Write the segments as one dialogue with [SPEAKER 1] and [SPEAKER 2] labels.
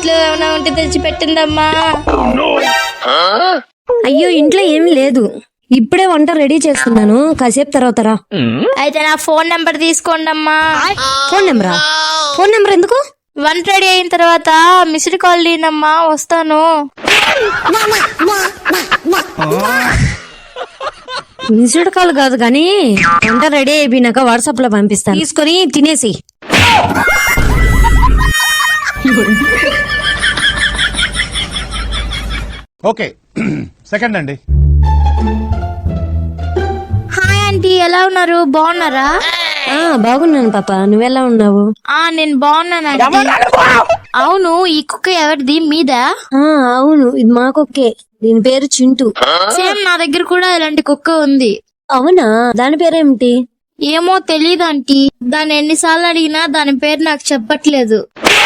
[SPEAKER 1] ఇంట్లో ఏమైనా ఉంటే తెచ్చి పెట్టిందమ్మా.
[SPEAKER 2] అయ్యో ఇంట్లో ఏమీ లేదు, ఇప్పుడే వంట రెడీ చేస్తున్నాను, కాసేపు తర్వాత రా.
[SPEAKER 1] అయితే నా ఫోన్ నెంబర్ తీసుకోండి అమ్మా.
[SPEAKER 2] ఫోన్ నెంబరా? ఫోన్ నెంబర్ ఎందుకు?
[SPEAKER 1] వంట రెడీ అయిన తర్వాత మిస్డ్ కాల్ తీనమ్మా, వస్తాను.
[SPEAKER 2] మిస్డ్ కాల్ కాదు కానీ వంట రెడీ అయిపోయినాక వాట్సాప్ లో పంపిస్తాను, తీసుకొని తినేసి.
[SPEAKER 3] ఓకే సెకండ్ అండి.
[SPEAKER 1] హాయ్ ఆంటీ, ఎలా ఉన్నారు? బాగున్నారా?
[SPEAKER 2] బాగున్నాను పాప, నువ్వెలా ఉన్నావు?
[SPEAKER 1] నేను బాగున్నాను ఆంటీ. అవును, ఈ కుక్క ఎవరిది? మీదా?
[SPEAKER 2] అవును, ఇది మా కుక్కే, దీని పేరు చింటూ.
[SPEAKER 1] సేమ్ నా దగ్గర కూడా ఇలాంటి కుక్క ఉంది.
[SPEAKER 2] అవునా, దాని పేరేమిటి?
[SPEAKER 1] ఏమో తెలీదు ఆంటీ, దాన్ని ఎన్నిసార్లు అడిగినా దాని పేరు నాకు చెప్పట్లేదు.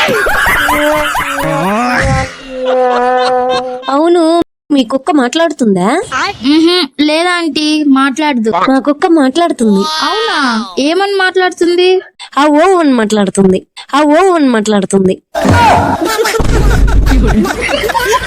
[SPEAKER 2] అవును, మీ కుక్క మాట్లాడుతుందా?
[SPEAKER 1] లేదా ఆంటీ, మాట్లాడదు.
[SPEAKER 2] మా కుక్క మాట్లాడుతుంది.
[SPEAKER 1] అవునా, ఏమని మాట్లాడుతుంది?
[SPEAKER 2] ఆ ఓ అని మాట్లాడుతుంది.